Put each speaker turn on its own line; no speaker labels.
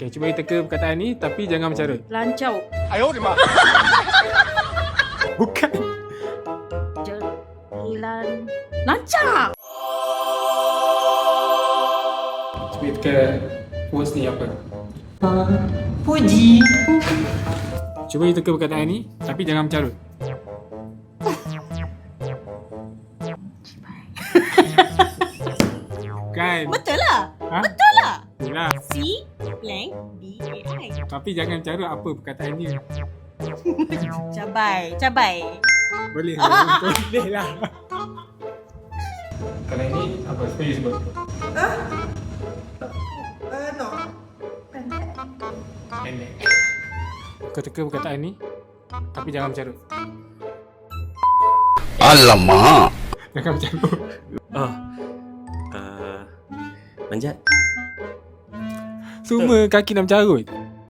Okay, cuba teka perkataan ni tapi jangan mencarut.
Lancau.
Bukan.
Jalan. Lancar.
Cuba teka words ni apa.
Puji.
Cuba teka perkataan ni tapi jangan mencarut. Kan?
Betul lah.
Ha?
Betul lah.
Itulah.
C blank B A I.
Tapi jangan carut apa perkataan dia.
Cabai. Cabai.
Boleh lah. Boleh lah. Kalau ini apa? Seperti sebut.
No.
Pendek. Kau teka perkataan ni tapi jangan mencarut.
Alamak.
Jangan mencarut.
Manjat.
Semua kaki nak mencarut.